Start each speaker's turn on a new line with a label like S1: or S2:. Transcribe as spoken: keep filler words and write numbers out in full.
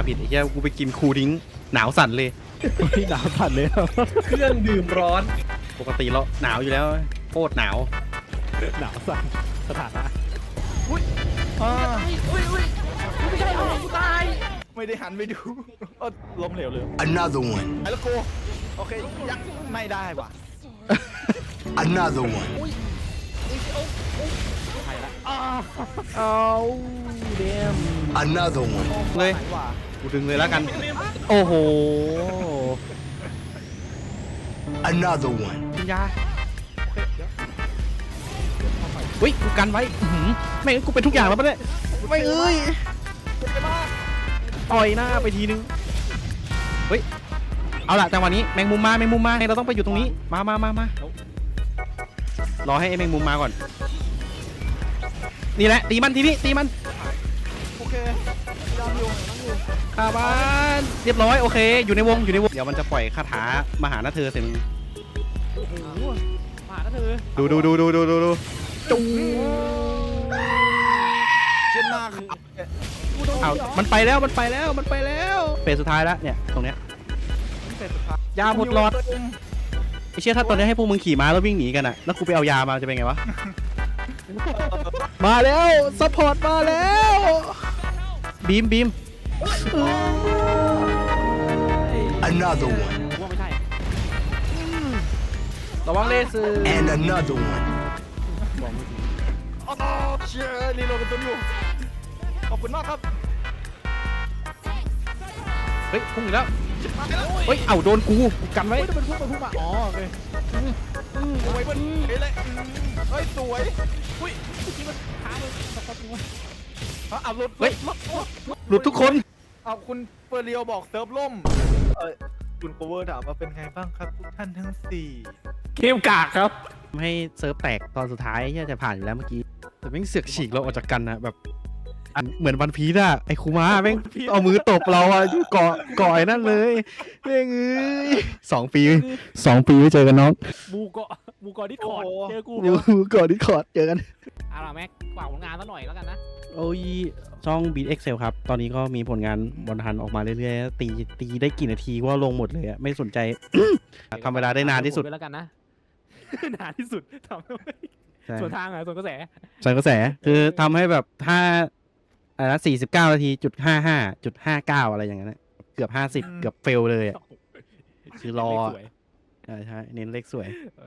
S1: ผิดไอ้เหี้ยกูไปกินคูดิ้งหนาวสั่นเลย
S2: หนาวสั่นเลย
S3: เครื่องดื่มร้อน
S1: ปกติเราหนาวอยู่แล้วโคตรหนาว
S2: หนาวสั่นสถานะ
S4: อ่า
S3: อุ้ยอุ้ยไม่ใช่เอากูตาย
S4: ไม่ได้หันไปดูเออล้มเหลวเลย
S5: Another one.
S4: ไอ้ละโกโอเคยังไม่ได้ว่ะ
S5: Another one.
S4: ใครละ
S2: เอาเดม
S5: Another one.
S1: เลย
S4: ไหนว่ะ
S1: กูดึงเลยแล้วกัน โอ้โห
S5: Another one.
S1: กินยาเฮ้ยกูกันไว้อื้อหือแม่งกูเป็นทุกอย่างแล้วปะเนี่ยไม่เอ้ยต่อยหน้าไปทีนึงเฮ้ยเอาล่ะจังหวะนี้แมงมุมมาแมงมุมมาเราต้องไปอยู่ตรงนี้มามามามารอให้ไอ้แมงมุมมาก่อน นี่แหละตีมันทีนี้ตีมัน
S4: โอเคยอมอยู่นั่งอยู่
S1: คาบ้านเรียบร้อยโอเคอยู่ในวงอยู่ในวงเดี๋ยวมันจะปล่อยคาถามหาหน้าเธอเสร็จ
S2: โอ้โหมาแล้วเธอ
S1: ดูดูดูดูดูดูดูจู
S4: เช่นหน้าขาว
S1: เอามันไปแล้วมันไปแล้วมันไปแล้วเฟสสุดท้ายแล้วเนี่ยตรงเนี้ย
S4: เสร็จสุดท้าย
S1: ยาหมดหลอดไอเชี่ยถ้าตอนนี้ให้พวกมึงขี่ม้าแล้ววิ่งหนีกันอะแล้วกูไปเอายามาจะเป็นไงวะ มาแล้วซัพพอร์ตมาแล้วบีมบีม
S5: Another one.
S2: ว่าไม่ใช่
S1: ระวังเลเซอร์
S5: And another one.
S4: อ๋อเชียร์รีโหลดกันตัวอยู่ขอบคุณมากครับ
S1: เฮ้ยพุ่งอีกแล้วเฮ้ยเอาโดนกูกูกันไว้
S2: เฮ้ยจะเป็นพุ่งไปพุ่งมาอ๋อโอเค
S4: เอาไว้เพื่อนเฮ้ยเลยเฮ้ยสวย
S2: อุ้ยเมื่อกี้มันค้างเลยสักพักนึงวะ
S4: เอาเอารถ
S1: เฮ้ย
S4: รถรถ
S1: หลุดทุกคน
S4: เอาคุณเฟอร์เรียวบอกเซิร์ฟล่มเออคุณโคเวอร์ถามว่าเป็นไงบ้างครับทุกท่านทั้งสี่
S2: เกมกากครับ
S1: ให้เซิร์ฟแตกตอนสุดท้ายที่จะผ่านอยู่แล้วเมื่อกี้แต่แม่งเสือกฉีกเราออกจากกันนะแบบอันเหมือนวันพีซอะไอ้คูมาแม่งเอามือตบเราอะอยู่เกาะเกาะไอ้นั่นเลยแม่งเอ้ยสองปีสองปีไม่เจอกันน้อง
S2: บูเกาะบูเกาะดิสคอร์ดเจอกู
S1: อยู่เกาะดิสคอร์ดเจอกัน
S2: เอาล่ะแม็กฝากผลงานซะหน่อยแล้วกันนะ
S1: โอ้ยช่อง Beat Excel ครับ ตอนนี้ก็มีผลงานบอลทันออกมาเรื่อยๆ ตีตีได้กี่นาทีก็ลงหมดเลยอะไม่สนใจ ทำเวลาได้นานที่สุด
S2: ไปแล้วกันนะ นานที่สุดทำให้
S1: ใช่
S2: ส่วนทางอ่ะส่วนกระแส
S1: ใส่กระแสคือทำให้แบบถ้าอะไรนะสี่สิบเก้านาทีจุดห้าห้าจุดห้าเก้าอะไรอย่างเงี้ยเกือบห้าสิบเกือบเฟลเลยอะ คือรอ
S2: สวย
S1: ใช่ใช่เน้นเลขสวย